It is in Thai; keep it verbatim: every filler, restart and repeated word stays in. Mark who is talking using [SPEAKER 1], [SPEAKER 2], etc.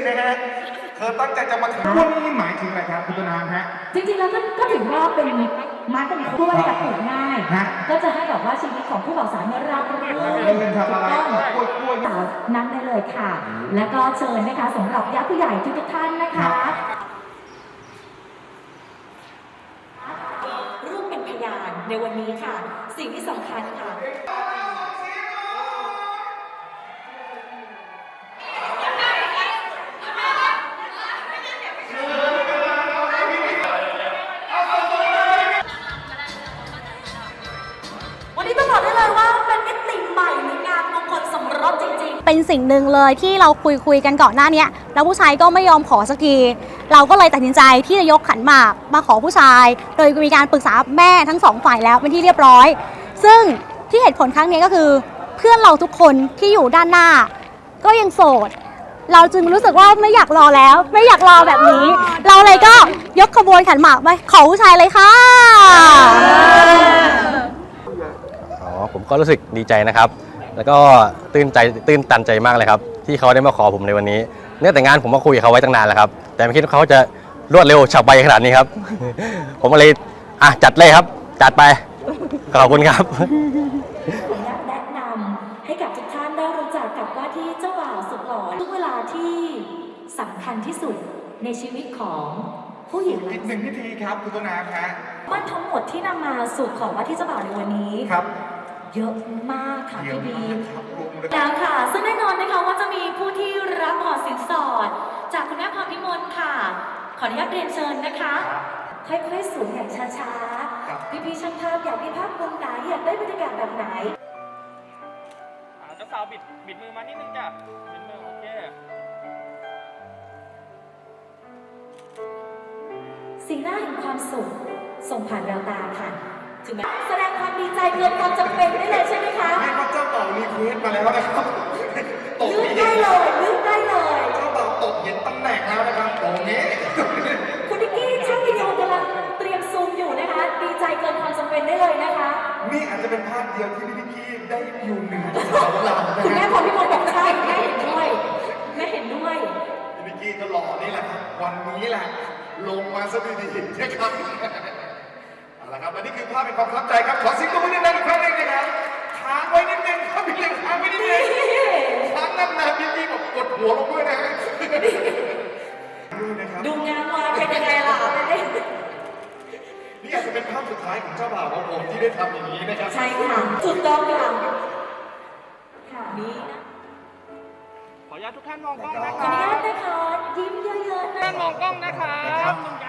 [SPEAKER 1] นะฮะเธอตั้งใจจะมาถึงวันนี้หมายถึงอะไรครับคุณต้นน้ำฮะ
[SPEAKER 2] จริงๆแล้วก็ถือว่าเป็นมาร์กเป็นคู่อะไรกับปลูกง่ายก็จะให้แบบว่าชีวิตของผู้บ่าวสาวเนี่ยราบรื่นถูกต้องนั่งได้เลยค่ะ แล้วก็เชิญนะคะสำหรับญาติผู้ใหญ่ทุกท่านนะคะร่วมเป็นพยานในวันนี้ค่ะสิ่งที่สำคัญค่ะ
[SPEAKER 3] เป็นสิ่งหนึ่งเลยที่เราคุยคุยกันก่อนหน้านี้แล้วผู้ชายก็ไม่ยอมขอสักทีเราก็เลยตัดสินใจที่จะยกขันหมากมาขอผู้ชายโดยมีการปรึกษาแม่ทั้งสองฝ่ายแล้วเป็นที่เรียบร้อยซึ่งที่เหตุผลครั้งนี้ก็คือเพื่อนเราทุกคนที่อยู่ด้านหน้าก็ยังโสดเราจึงรู้สึกว่าไม่อยากรอแล้วไม่อยากรอแบบนี้เราเลยก็ยกขบวนขันหมากไปขอผู้ชายเลยค่ะ
[SPEAKER 4] อ๋อผมก็รู้สึกดีใจนะครับแล้วก็ตื่นใจตื่นตันใจมากเลยครับที่เขาได้มาขอผมในวันนี้เนื่องแต่งานผมมาคุยกับเขาไว้ตั้งนานแล้วครับแต่ไม่คิดว่าเขาจะรวดเร็วฉับไวขนาดนี้ครับ ผมก็เลยอ่ะจัดเลยครับจัดไปขอบคุณครับ
[SPEAKER 2] แนะนำให้กับทุกท่านได้รู้จักกับว่าที่เจ้าบ่าวสุดหล่อทุกเวลาที่สำคัญที่สุดในชีวิตของผู้หญิง
[SPEAKER 1] อีกหนึ่งพิธีครับคุณต้นน้ำฮะ
[SPEAKER 2] มันทั้งหมดที่นำมาสู่ของว่าที่เจ้าบ่าวในวันนี้
[SPEAKER 1] ครับ
[SPEAKER 2] เยอะมากค่ะพี่บีแล้
[SPEAKER 1] ว
[SPEAKER 2] ค่ะซึ่งแน่นอนนะคะว่าจะมีผู้ที่รับขอสินสอดจากคุณแม่พรพิมลค่ะขออนุญาตเรียนเชิญนะคะค่อยๆสูงอย่างช้าๆพี่พี่ช่างภาพอยากได้ภาพมุมไหนอยากได้บรรยากาศแบบไหน
[SPEAKER 5] เจ้าสาวบิดบิดมือมานิดนึงจ้ะบิดมือโอเค
[SPEAKER 2] สีหน้าแห่งความสุขส่งผ่านแววตาค่ะถึงแม้แสดงความดีใจเกินความจำเป็นได้เลยใช่ไหมคะ
[SPEAKER 1] เรียกว่าเจ้าบ่าวรีเควสมาแล้วนะครับ
[SPEAKER 2] ลืมได้เลยลืมได้เลย
[SPEAKER 1] เจ้าบ่าวตกเห็นตำแหน่งแล้วนะครับตรงนี้
[SPEAKER 2] คุณนิกกี้ช่างวิดีโอกำลังเตรียมซูมอยู่นะคะดีใจเกินความจำเป็นได้เลยนะคะ
[SPEAKER 1] นี่อาจจะเป็นภาพเดียวที่พี่นิกกี้ได้อยู่เหนือสาวเรา
[SPEAKER 2] คุณแม่พอพี่มดบอกใช่แม่เห็นด้วยแม่เห็นด้วย
[SPEAKER 1] พี่นิกกี้ก็หล่อนี่แหละครับวันนี้แหละลงมาซะดีๆนะครับเอาละครับและนี่คือภาพเป็นความประทับใจครับขอเสียงปรบมือดังๆอีกครั้งหนึ่งนะครับค้างไว้นิดนึงครับพี่เล็กค้างไว้นิดนึงค้างนานๆพี่นิกกี้บอกกดหัวลงด้วยนะ
[SPEAKER 2] ดูงานวานเป็นยังไงล่ะ
[SPEAKER 1] นี่อาจจะเป็นภาพสุดท้ายของเจ้าบ่าวของผมที่ได้ทำอย่างนี้นะครับ
[SPEAKER 2] ใช่ค่ะถูกต้องค่ะค่ะนี่นะ
[SPEAKER 5] ขออนุญาตทุกท่านมองกล้องนะ
[SPEAKER 2] ขออนุญาตนะคะยิ้มเยอะๆนะ
[SPEAKER 5] มองกล้องนะคะ